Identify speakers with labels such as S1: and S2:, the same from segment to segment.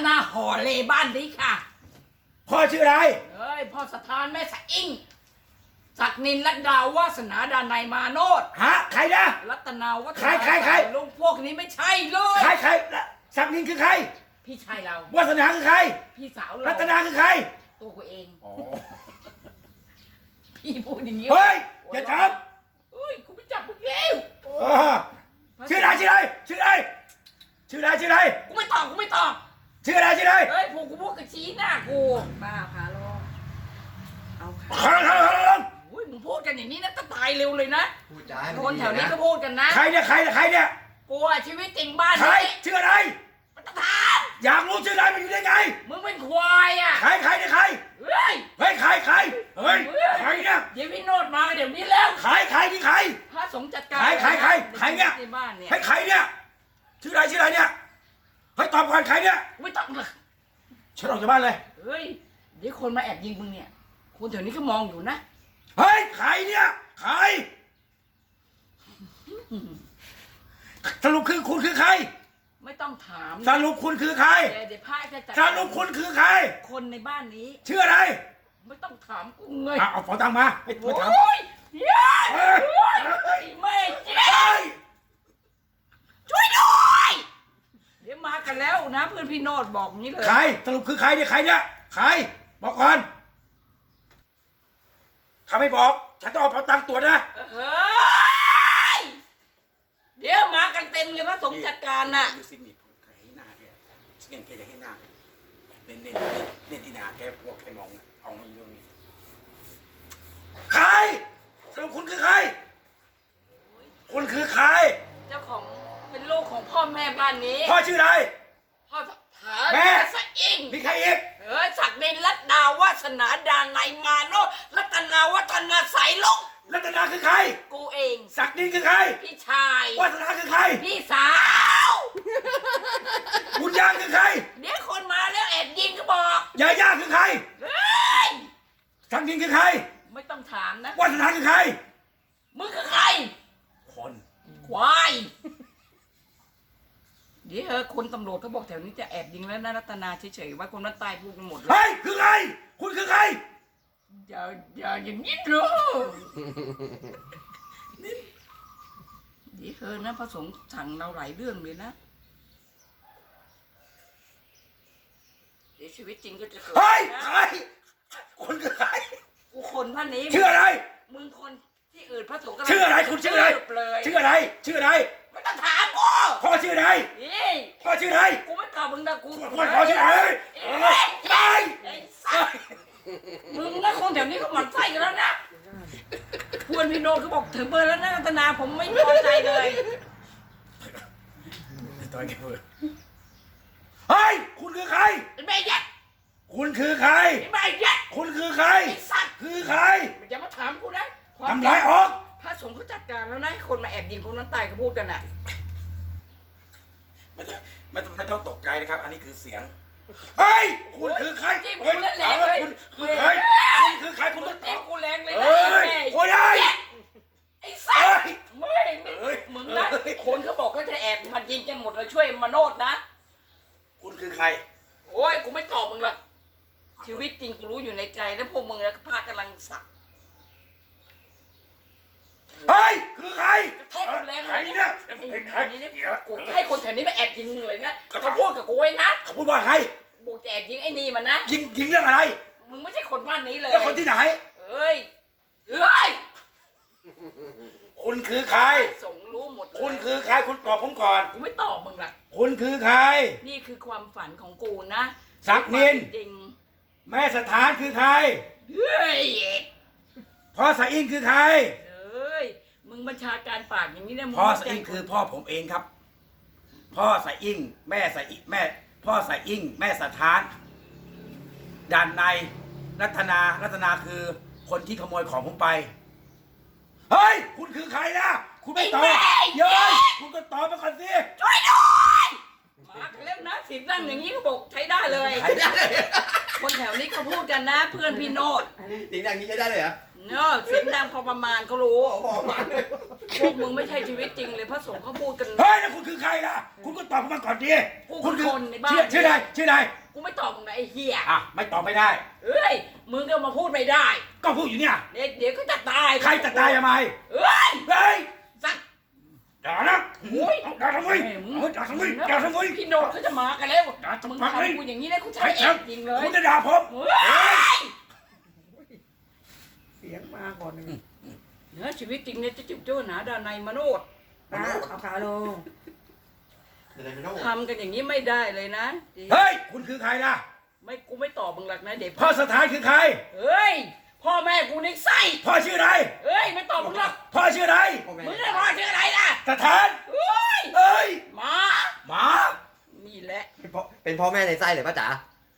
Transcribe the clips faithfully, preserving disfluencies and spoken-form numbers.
S1: นาห่อเลบ้านนี้ค่ะ
S2: พ่อชื่ออะไร
S1: เอ้ยพ่อสถานแม่สะอิ่งศักนินรัตดาวาสนาดานายมาโนด
S2: ฮะใครนะ
S1: รัตนาวัฒนา
S2: ใครใครใคร
S1: ลุงพวกนี้ไม่ใช่เลย
S2: ใครใครศักดิ์นินคือใคร
S1: พี่ชายเรา
S2: วาสนาคือใคร
S1: พี่สาวเรา
S2: รัตนาคือใคร
S1: ตัวกูเองพี่พูดอย่างนี้
S2: เฮ้ยอย่าจับ
S1: เฮ้ยกูไม่จับมึงแล้ว
S2: ชื่ออะไรชื่ออะไรชื่ออะไรชื่ออะไรชื่ออะไร
S1: กูไม่ตอบกูไม่ตอบ
S2: ชื่ออะไรชื่ออะไร
S1: เฮ้ยพวกกูพูดกับชี้หน้ากูป้าพาลงเอาค่ะ
S2: ขอลงขอลงขอลง
S1: อุ้ยมึงพูดกันอย่างนี้นะจะตายเร็วเลยนะ
S3: พูดจา
S1: คนแถวนี้ก็พูดกันนะ
S2: ใครเนี่ยใครเนี่ยใครเนี่ย
S1: กูอะชีวิตจริงบ้าน
S2: ใคร
S1: นี้
S2: ชื่ออะไร
S1: มันต้องถาม
S2: อยากรู้ชื่ออะไรมันอยู่ได้ไง
S1: มึงเป็นควายอ่ะ
S2: ใครใครเนี่ยใคร
S1: เฮ้ย
S2: เฮ้ยใครใครเฮ้ยใครเนี่ย
S1: เดี๋ยวพี่โนดมาเดี๋ยวนี้แล้ว
S2: ใครใครที่ใคร
S1: พระสงฆ์จัดการ
S2: ใครใครใครใครเนี่ย
S1: ในบ้านเนี่ย
S2: เฮ้ยใครเนี่ยชื่ออะไรชื่ออะไรเนี่ยเฮ้ยตอบก่อนใครเนี่ย
S1: ไม่ต้องเลย
S2: ฉันออกจากบ้านเลย
S1: เฮ้ยเดี๋ยวคนมาแอบยิงมึงเนี่ยคนแถวนี้ก็มองอยู่นะ
S2: เฮ้ยใครเนี่ยใครสรุปคือคุณคือใคร
S1: ไม่ต้องถาม
S2: สรุปคุณคือใคร
S1: เดี๋ยวพระจะจัด
S2: สรุปคุณคือใคร
S1: คนในบ้านนี้
S2: ชื่ออะไร
S1: ไม่ต้องถามกูเลย
S2: เอาฝอตังมาไม่
S1: โอ้
S2: ถาม
S1: ยเฮ้ยไม่เจ๊ช่วยด้วยเดี๋ยวมากันแล้วนะเพื่อนพี่โนดบอกนี้เลย
S2: ใครสรุปคือใครเนี่ยใครเนี่ยใครบอกก่อนถ้าไม่บอกฉันต้องเอาฝอตังตัวนะ
S1: เฮ้ยเดี๋ยวมากันเต็มเลยพระสงฆ์จัดการน่ะ
S2: ดูสินี่ผมให้หน้าแกเล่นแกจะให้หน้าเล่นเล่นเล่นที่หน้าแกพวกแกมองเอาไม่เรื่องนี้ใครสรุปคุณคือใครคุณคือใคร
S1: เจ้าของเป็นลูกของพ่อแม่บ้านนี้
S2: พ่อชื่ออะไร
S1: พ่อถาแม่สะอิ่ง
S2: มีใครอีก
S1: เออศักดินรัตดาวาสนาดานายมาโนรัตนาวัฒนาสายลง
S2: รัตนาคือใคร
S1: กูเอง
S2: ศักดินคือใคร
S1: พี่ชายว
S2: าสนาคือใคร
S1: พี่สาว
S2: บุญยางคือใคร
S1: เดี๋ยวคนมาแล้วแอบยิงก็บอก
S2: ยาย่าคือใคร
S1: เฮ้ย
S2: ศักดินคือใคร
S1: ไม่ต้องถามนะ
S2: วาสนาคือใคร
S1: มึงคือใคร
S2: คน
S1: ควายเดี๋ยวเออคนตำรวจเขาบอกแถวนี้จะแอบยิงแล้วนะรัตนาเฉยๆว่าคนนั้นตายพูดกันหมดเลย
S2: เฮ้ยคือใครคุณคือใคร
S1: อย่าอย่าอย่างนี้หรอเดี๋ยวเออนะพระสงฆ์สั่งเราหลายเรื่องเลยนะเดี๋ยวชีวิตจริงก็จะเกิด
S2: เฮ้ยใครคนคือใคร
S1: กูคนท่านนี้
S2: ชื่ออะไร
S1: มึงคนที่อื่นพระสงฆ์
S2: ชื่ออะไรคุณชื่ออะไรชื่ออะไรชื่ออะไร
S1: ไม่ต้องถามกู
S2: พ่อชื่ออะไรพ่อชื่ออะไร
S1: กูไม่ตอบมึงนะกู
S2: พ่อชื่ออะไรไอ้
S1: มึงนะคนแถวนี้เขาหมั่นไส้กันแล้วนะเพื่อนพี่โนดเขาบอกถึงเบอร์แล้วนะรัตนาผมไม่พอใจเลย
S2: ตอนแกเบอร์เฮ้ยคุณคือใคร
S1: แม่ยัด
S2: คุณคือใคร
S1: แม่ยัด
S2: คุณคือใครคือใคร
S1: อย่ามาถามกูนะ
S2: ทำร้ายออก
S1: พระสงฆ์เขาจัดการแล้วนะคนมาแอบยิงคนนั้นตายเขาพูดกันอ่ะ
S2: ไม่ต้องไม่ต้องไม่ต้องตกใจนะครับอันนี้คือเสียงเฮ้ยคุณคือใคร
S1: เฮ้ยคุณแรงเลย
S2: คุณคือใครคุณคือใครคุณต้องตอบ
S1: กูแรงเลย
S2: เฮ้ยโอ้ย
S1: ไอ้สัสไม่มึงนะคนเขาบอกก็จะแอบมายิงกันหมดเลยช่วยมาโนดนะ
S2: คุณคือใคร
S1: โอ้ยกูไม่ตอบมึงละชีวิตจริงกูรู้อยู่ในใจแล้วพวกมึงแล้วพากำลังสับ
S2: เฮ้ยคือใคร
S1: ใครคนแรงใครเนี่ยใครเนี่ยกูให้คนแถวนี้มาแอบยิงมึงเลยนะเขาพูดกับกูไว้นะ
S2: เขาพูดว่าใคร
S1: กูจะแอบยิงไอ้นี่มันนะ
S2: ยิงยิงเรื่องอะไร
S1: มึงไม่ใช่คนบ้านนี้เลย
S2: แล้วคนที่ไหน
S1: เอ้ยเอ้ย
S2: คุณคือใคร
S1: ส่งรู้หมด
S2: คุณคือใครคุณตอบผมก่อน
S1: กูไม่ตอบมึงละ
S2: คุณคือใคร
S1: นี่คือความฝันของกูนะ
S2: ศักดิน
S1: จริง
S2: แม่สถานคือใคร
S1: เฮ้ย
S2: พ่อสะอิ่งคือใคร
S1: เอ้ยมึงบัญชาการปากอย่างนี้ได้
S2: พ่อสะอิ่งคือพ่อผมเองครับพ่อสะอิ่งแม่สะอิ่งแม่พ่อสะอิ่งแม่สถานด่านในรัตนารัตนาคือคนที่ขโมยของผมไปเฮ้ยคุณคือใครนะคุณไม่ตอบเย้ยคุณก็ตอบมาก่อนสิ
S1: ช่วยด้วยมาเล่นนะสิบนั่งอย่างนี้เขาบอกใช้ได้เลยคนแถวนี้เขาพูดกันนะเพื่อนพี่โนด
S3: สิงดังนี้ใช้ได้เลยเหรอ
S1: เนอะเสียงดังพอประมาณเขารู้
S3: ออกมาเลย
S1: พวกมึงไม่ใช่ชีวิตจริงเลยพระสงฆ์เขาพูดกัน
S2: เฮ้ยแล้วคุณคือใครล่ะ คุณก็ตอบผมมาก่อนดิ
S1: กู
S2: คุณ
S1: คือคนในบ้าน
S2: ชื่อชื่ออะไรชื่ออะไร
S1: กูไม่ตอบมึงนะไอ้เหี้ย
S2: อ่ะไม่ตอบไม่ได้
S1: เอ้ยมึงก็มาพูดไม่ได้
S2: ก็พูดอยู่เนี่ย
S1: เดี๋ยวเดี๋ยวก็จะตาย
S2: ใครจะตายทำไม
S1: เอ้ย
S2: เฮ้ย
S1: สัก
S2: ด่านะ
S1: โอ้ย
S2: เอาด่าทำไมเอาด่าทำไมด่าทำไม
S1: พี่โนดเขาจะมากันแล้ว
S2: ด่าทำ
S1: มึง
S2: ไม
S1: ทำกูอย่างนี้นะกูใช้
S2: ใคร
S1: เอ
S2: ครั
S1: ง
S2: บ
S1: จริงเลย
S2: คุณจะด่าผม
S1: เฮ้ย
S3: เสียงมาก่อนหนึ่ง
S1: เนื้อชีวิตจริงเนี่ยจะจิบจ้วนหาดานในมโนด
S3: นะเอาขาลงเดี๋ยวไม่ต้อง
S1: ทำกันอย่างนี้ไม่ได้เลยนะ
S2: เฮ้ยคุณคือใครล่ะ
S1: ไม่กูไม่ตอบมึงหรอกนะเด็ก
S2: พ่อสถานคือใคร
S1: เฮ้ยพ่อแม่กูในไส้
S2: พ่อชื่ออะไร
S1: เฮ้ยไม่ตอบมึงหรอก
S2: พ่อชื่ออะไร
S1: มึงได้พ่อชื่ออะไรล่ะ
S2: สถาน
S1: เฮ้ย
S2: เอ้ย
S1: หมา
S2: หมา
S1: นี่แหละ
S4: เป็นพ่อเป็นพ่อแม่ในไส้เลยป้าจ๋า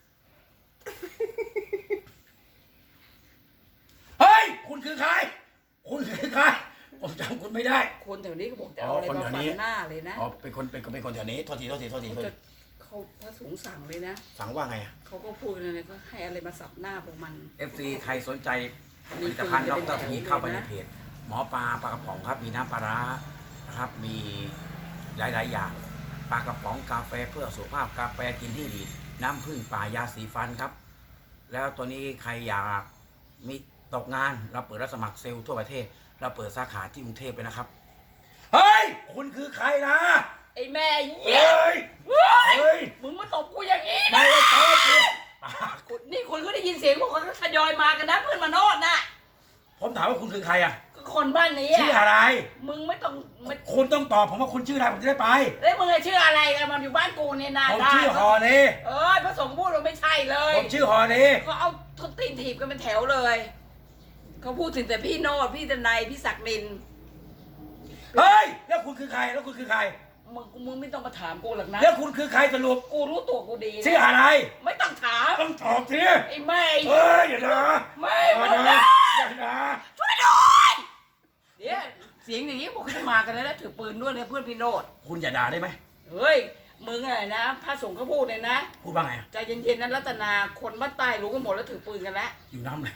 S2: เฮ้ยคุณคือใคร คุณคือใครผมจำคุณไม่ได้
S1: คนแถวนี้เขาบอกจะเอาอะไร
S2: อ๋อคน
S1: มา
S2: แถว
S1: ฟั
S2: นี้
S1: นหน้าเลยนะ
S2: อ๋อเป็นคนเป็นคนเป็นคนแถวนี้โทษทีโทษทีโทษที
S1: เขา
S2: โทษ
S1: จะ
S2: ที
S1: เขาพระสงฆ์สั่งเลยนะ
S2: สั่งว่าไงอะ
S1: เขาก็พูดอะไรก็ให้อะไรมาสับหน้าพวกมัน
S2: เอฟซีใครสนใจผลิตภัณฑ์ดรทีเข้าไปในเพจหมอปลาปลากระป๋องครับมีน้ำปลาร้านะครับมีหลายๆอย่างปลากระป๋องกาแฟเพื่อสุขภาพกาแฟกินที่ดีน้ำผึ้งป่ายาสีฟันครับ แล้วตัวนี้ใครอยากมีตกงานเราเปิดรับสมัครเซลล์ทั่วประเทศ เราเปิดสาขาที่กรุงเทพเลยนะครับเฮ้ยคุณคือใครนะ
S1: ไอ้แม่เหี้
S2: เฮ้
S1: ย
S2: ย
S1: เฮ้ย
S2: เฮ้ย
S1: มึงมาตบกูอย่างนี้
S2: ไม่
S1: นะ
S2: ได้ตอบเลย
S1: นี่คนก็ได้ยินเสียงพวกเขาก็ทยอยมากันนะเพื่อนมาโนดน่ะ
S2: ผมถามว่าคุณคือใครอ่ะ
S1: ก็คนบ้านนี้
S2: ชื่อ
S1: อะ
S2: อะไร
S1: มึงไม่ต้องไม่
S2: คุณต้องตอบผมว่าคุณชื่ออะไรผมจะได้ไป
S1: แล้วมึงอะชื่ออะไรกันมันอยู่บ้านกูเนี่ยนา
S2: ผม
S1: ได้
S2: ชื่อฮอเน่
S1: เออพระสงฆ์พูดว่าไม่ใช่เลย
S2: ผมชื่อฮอเน่
S1: ก็เอาทุบตีนถีบกันเป็นแถวเลยเขาพูดถึงแต่พี่โนดพี่ตนายพี่ศักดิน
S2: เฮ้ยแล้วคุณคือใครแล้วคุณคือใคร
S1: มึงมึงไม่ต้องมาถามกูหรอกนะ
S2: แล้วคุณคือใครสรุป
S1: กูรู้ตัวกูดีนะ
S2: ชื่ออะไร
S1: ไม่ต้องถาม
S2: ต้องตอบสิ
S1: ไอ้แม่
S2: เฮ้ยอย่าด่า
S1: ไม่
S2: อย่า
S1: มึง
S2: ด่า
S1: นะ
S2: อย่าด่า
S1: ช่วยด้วยเดี๋ยวเสียงอย่างนี้บอกเขาจะมากันแล้วนะถือปืนด้วยเลยเพื่อนพี่โนด
S2: คุณอย่าด่าได้ไหม
S1: เฮ้ยมึงอะไรนะพระสงฆ์เขาพูดเลยนะ
S2: พูดว่าไงอะ
S1: ใจเย็นๆนั้นรัตนาคนบ้านใต้รู้กันหมดแล้วถือปืนกันแล้ว
S2: อยู่น้ำเลย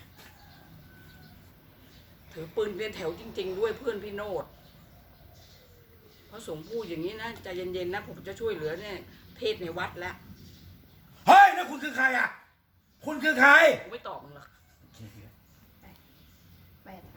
S1: ถือปืนเป็นแถวจริง ๆ ด้วยเพื่อนพี่โนดพระสงฆ์พูดอย่างนี้นะใจเย็นๆนะผมจะช่วยเหลือเนี่ยเทศในวัดแล้ว
S2: เฮ้ยแล้วคุณคือใครอ่ะ คุณคือใคร
S1: กูไม่ตอบมึงหรอก
S3: แปด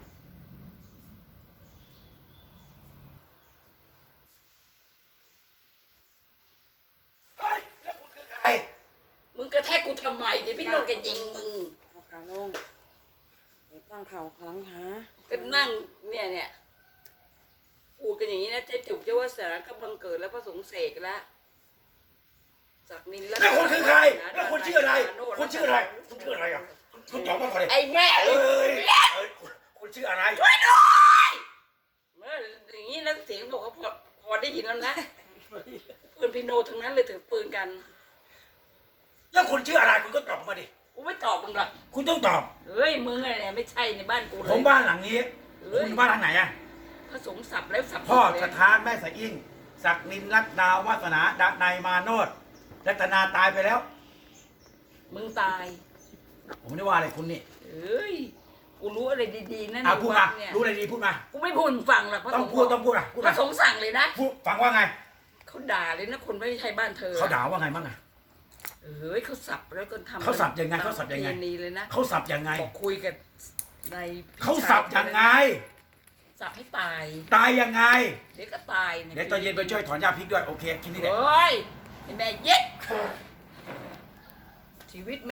S2: เฮ้ยแล้วคุณคือใคร
S1: มึงกระแทกกูทำไมเดี๋ยวพี่โนดแกยิงมึง
S3: เอาขาลงเดี๋ยวตั้งเข่าครั้งขา
S1: ก็นั่งเนี่ยเนี่ยพูดกันอย่างนี้นะเจ๊จุกเจ้าว่าสารกำลังเกิดแล้วพระสงฆ์เสกแล้วศักดิน
S2: แล้วคุณคือใคร แล้วคุณชื่ออะไร คุณชื่ออะไร คุณชื่ออะไรอ่ะ คุณตอบมาก่อนเลย
S1: ไอ้แม่
S2: เอ้ยเอ้ยคุณคุณชื่ออะไร
S1: ช่วยด้วยเมื่ออย่างนี้แล้วเสียงบอกว่าพอพอได้ยินแล้วนะปืนพี่โนทั้งนั้นเลยถือปืนกัน
S2: แล้วคุณชื่ออะไร คุณก็ตอบมาดิ
S1: กูไม่ตอบมึงหรอก
S2: คุณต้องตอบ
S1: เฮ้ยมึงอะไรเนี่ยไม่ใช่ในบ้านกูเลย
S2: ผมบ้านหลังนี้
S1: เอ้ย
S2: คุณบ้านหลังไหนอ่ะ
S1: พระสงฆ์สับแล้วสับ
S2: พ่อ
S1: เลย
S2: สถานแม่สะอิ่งศักดินรัตนาวาสนาดานายมาโนดรัตนาตายไปแล้ว
S1: มึงตาย
S2: ผมไม่ได้ว่าอะไรคุณนี่
S1: เอ้ยกูรู้อะไรดีๆนะ
S2: อ่ะ
S1: ใน
S2: พูด
S1: วั
S2: มา
S1: ดเนี่ย
S2: รู้อะไรดีพูดมา
S1: กูไม่พูดมึงฟังหรอกพระ
S2: ต้
S1: ส
S2: อง
S1: งฆ์
S2: พูดต้องพูดอ่ะพูด
S1: พ
S2: มา
S1: ระสงฆ์สั่งเลยนะ
S2: พูดฟังว่าไง
S1: เขาด่าเลยนะคนไม่ใช่บ้านเธอ
S2: เขาด่าว่าไงบ้างอ่ะ
S1: เอ้ยเขาสับแล้วก็ทำ
S2: เขาสับยังไงเขาสับยังไง
S1: ตมประเพณีเลยนะ
S2: เขาสับยังไง
S1: บอกคุยกับใน
S2: เขาสับยังไง
S1: สับให้ตาย
S2: ตายยังไง
S1: เดี๋ยวก็ตาย
S2: เดี๋ยวตอนเย็นไปช่วยถอนหญ้าพริกด้วยโอเคคิดนี่แหละ
S1: เฮ้ยไอ้แม่เย็ดชีวิต